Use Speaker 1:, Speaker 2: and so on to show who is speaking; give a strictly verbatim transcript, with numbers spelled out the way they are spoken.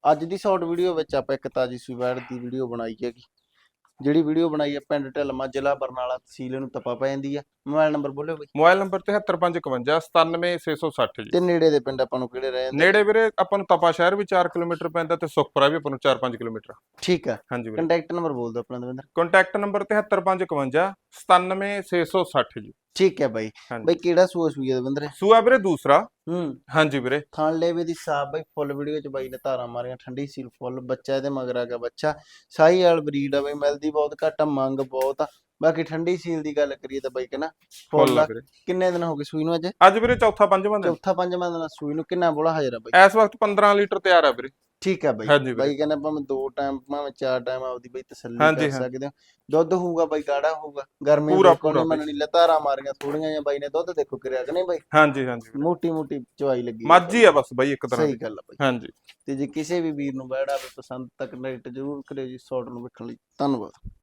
Speaker 1: ਅੱਜ ਦੀ short video ਵਿੱਚ ਆਪਾਂ ਇੱਕ ਤਾਜੀ ਸੂਈ ਵੈੜ ਦੀ ਵੀਡੀਓ ਬਣਾਈ ਹੈਗੀ, ਜਿਹੜੀ ਵੀਡੀਓ ਬਣਾਈ ਹੈ ਪਿੰਡ ਢਿਲਮਾ, ਜ਼ਿਲ੍ਹਾ ਬਰਨਾਲਾ, ਤਹਿਸੀਲ ਨੂੰ ਤਪਾ ਪੈ ਜਾਂਦੀ ਆ। ਮੋਬਾਈਲ ਨੰਬਰ ਬੋਲਿਓ ਬਈ।
Speaker 2: ਮੋਬਾਈਲ ਨੰਬਰ ਤਿਹੱਤਰ ਪੰਜ ਇਕਵੰਜਾ ਸਤਾਨਵੇਂ ਛੇ ਸੌ ਸੱਠ ਜੀ।
Speaker 1: ਤੇ ਨੇੜੇ ਦੇ ਪਿੰਡ ਆਪਾਂ ਨੂੰ ਕਿਹੜੇ ਰਹਿ ਜਾਂਦੇ?
Speaker 2: ਨੇੜੇ ਵੀਰੇ ਆਪਾਂ ਨੂੰ ਤਪਾ ਸ਼ਹਿਰ ਵੀ ਚਾਰ ਕਿਲੋਮੀਟਰ ਪੈਂਦਾ ਤੇ ਸੁਖਪੁਰਾ ਵੀ ਆਪਾਂ ਨੂੰ ਚਾਰ ਪੰਜ ਕਿਲੋਮੀਟਰ।
Speaker 1: ਠੀਕ ਆ।
Speaker 2: ਹਾਂਜੀ ਵੀਰੇ।
Speaker 1: ਕੰਟੈਕਟ ਨੰਬਰ ਬੋਲ ਦਿਓ ਆਪਣਾ ਦਵਿੰਦਰ।
Speaker 2: ਕੰਟੈਕਟ ਨੰਬਰ ਤਿਹੱਤਰ ਪੰਜ ਇਕਵੰਜਾ ਸਤਾਨਵੇਂ ਛੇ ਸੌ ਸੱਠ ਜੀ।
Speaker 1: ਠੀਕ ਹੈ ਬਾਈ। ਬਾਈ ਕਿਹੜਾ ਸੂਆ ਸੂਈ ਹੈ ਦਵਿੰਦਰ?
Speaker 2: ਸੂਆ ਵੀਰੇ ਦੂਸਰਾ।
Speaker 1: ਹੂੰ
Speaker 2: ਹਾਂਜੀ ਵੀਰੇ।
Speaker 1: ਥਣ ਲੇਵੇ ਦੀ ਸਾਫ ਬਾਈ, ਫੁੱਲ ਵੀਡੀਓ ਚ ਬਾਈ ਨੇ ਧਾਰਾਂ ਮਾਰੀਆਂ, ਠੰਡੀ ਸੀਲ ਫੁੱਲ, ਬੱਚਾ ਇਹਦੇ ਮਗਰ ਆ ਗਿਆ ਬੱਚਾ। ਸਾਈ ਵਾਲ ਬਰੀਡ ਆ ਬਾਈ, ਮਿਲਦੀ ਬਹੁਤ ਘੱਟ ਆ, ਮੰਗ ਬਹੁਤ ਆ। ਬਾਕੀ ਠੰਡੀ ਸੀਲ ਦੀ ਗੱਲ ਕਰੀਏ ਤਾਂ ਬਾਈ ਕਹਿੰਦਾ ਫੁੱਲ ਆ। ਕਿੰਨੇ ਦਿਨ ਹੋ ਗਏ ਸੂਈ ਨੂੰ? ਅੱਜ
Speaker 2: ਅੱਜ ਵੀਰੇ ਚੌਥਾ ਪੰਜਵਾਂ ਦਿਨ।
Speaker 1: ਚੌਥਾ ਪੰਜਵਾਂ ਦਿਨ ਸੂਈ ਨੂੰ। ਕਿੰਨਾ ਬੋਲਾ ਹਾਜ਼ਰ ਆ ਬਾਈ?
Speaker 2: ਇਸ ਵਕਤ ਪੰਦਰਾਂ ਲੀਟਰ ਤਿਆਰ ਆ ਵੀਰੇ।
Speaker 1: ਠੀਕ ਆ ਬਾਈ। ਬਾਈ ਕਹਿੰਦਾ ਭਾਵੇਂ ਦੋ ਟਾਈਮ ਭਾਵੇਂ ਚਾਰ ਟਾਈਮ ਆਪਦੀ ਬਾਈ ਤਸੱਲੀ ਕਰ ਸਕਦੇ ਹੋ। ਦੁੱਧ ਹੋਊਗਾ ਬਾਈ ਗਾੜਾ ਹੋਊਗਾ, ਗਰਮੀ ਬਿਲਕੁਲ ਨਹੀਂ ਮੰਨਣੀ। ਧਾਰਾਂ ਮਾਰੀਆਂ ਥੋੜੀਆਂ ਜਿਹਾ ਬਾਈ ਨੇ, ਦੁੱਧ ਦੇਖੋ ਕਿਰਿਆ ਕਿ ਨਹੀਂ ਬਾਈ?
Speaker 2: ਹਾਂਜੀ ਹਾਂਜੀ।
Speaker 1: ਮੋਟੀ ਮੋਟੀ ਚਵਾਈ ਲੱਗੀ,
Speaker 2: ਮੱਝ ਆ ਬਸ ਬਾਈ ਇੱਕ ਤਰ੍ਹਾਂ ਦੀ।
Speaker 1: ਸਹੀ ਗੱਲ ਆ ਬਾਈ।
Speaker 2: ਹਾਂਜੀ।
Speaker 1: ਤੇ ਜੇ ਕਿਸੇ ਵੀ ਵੀਰ ਨੂੰ ਵੈੜ ਆਵੇ ਪਸੰਦ ਤਾਂ ਕਨੈਕਟ ਜ਼ਰੂਰ ਕਰਿਓ ਜੀ ਸ਼ਾਰਟ ਨੂੰ ਵੇਖਣ ਲਈ। ਧੰਨਵਾਦ।